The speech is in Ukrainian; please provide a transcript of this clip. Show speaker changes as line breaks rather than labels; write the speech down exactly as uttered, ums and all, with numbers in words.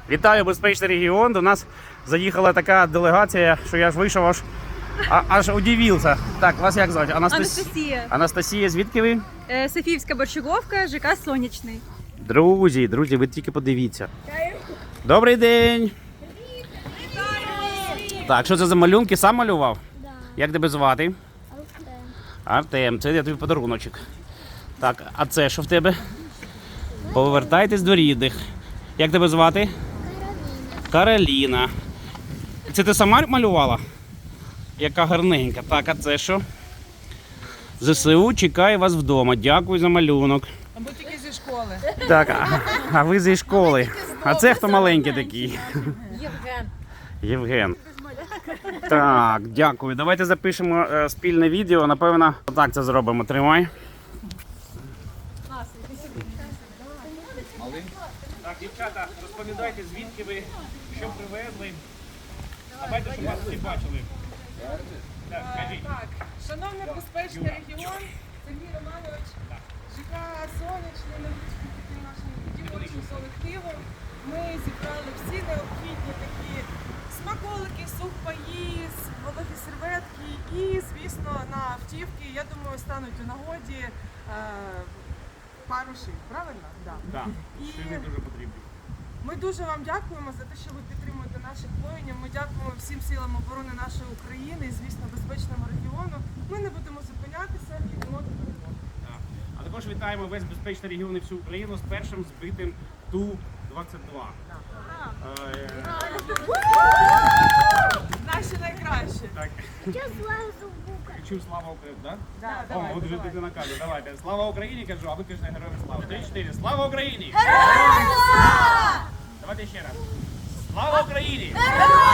Вітаю, безпечний регіон. До нас заїхала така делегація, що я ж вийшов аж, а, аж удивився. Так, вас як звати? Анастас...
Анастасія.
Анастасія, звідки ви?
Е, Софіївська борщаговка, ЖК Сонячний.
Друзі, друзі, ви тільки подивіться. Добрий день! Так, що це за малюнки? Сам малював?
Да.
Як тебе звати?
Артем.
Артем, це я тобі подаруночок. Так, а це що в тебе? Повертайтесь до рідних. Як тебе звати?
Кароліна.
Кароліна. Це ти сама малювала? Яка гарненька. Так, а це що? ЗСУ чекає вас вдома. Дякую за малюнок.
Або тільки зі школи.
Так, а, а ви зі школи. А це хто маленький такий?
Євген.
Євген. Так, дякую. Давайте запишемо е, спільне відео. Напевно, так це зробимо. Тримай. Так, дівчата, розповідайте, звідки ви, що привезли. Давайте, щоб вас всі бачили. Так, скажіть.
Так, шановний безпечний регіон, Сергій Романович, ЖК Сонячний, ми хочемо піти нашим дівочим колективом. Ми зібрали всі необхідні такі смаколики, сухпаї, вологі серветки і, звісно, на автівки, я думаю, стануть у нагоді е, пару шин, правильно? Да.
Так,
І
шини дуже потрібні.
ми дуже вам дякуємо за те, що ви підтримуєте наших воїнів. Ми дякуємо всім силам оборони нашої України і, звісно, безпечному регіону. Ми не будемо зупинятися і йдемо до перемоги.
Так. А також вітаємо весь безпечний регіон і всю Україну з першим збитим Ту двадцять два. Е,
Наші найкращі.
Так,
Що злазу бука?
кричу слава Україні, так?
Да,
О,
давай,
от вже
давай.
дитина каже, давайте. Слава Україні, кажу, а ви кажете героям слава. Три-чотири. Слава Україні! Давайте ще раз. Слава Україні!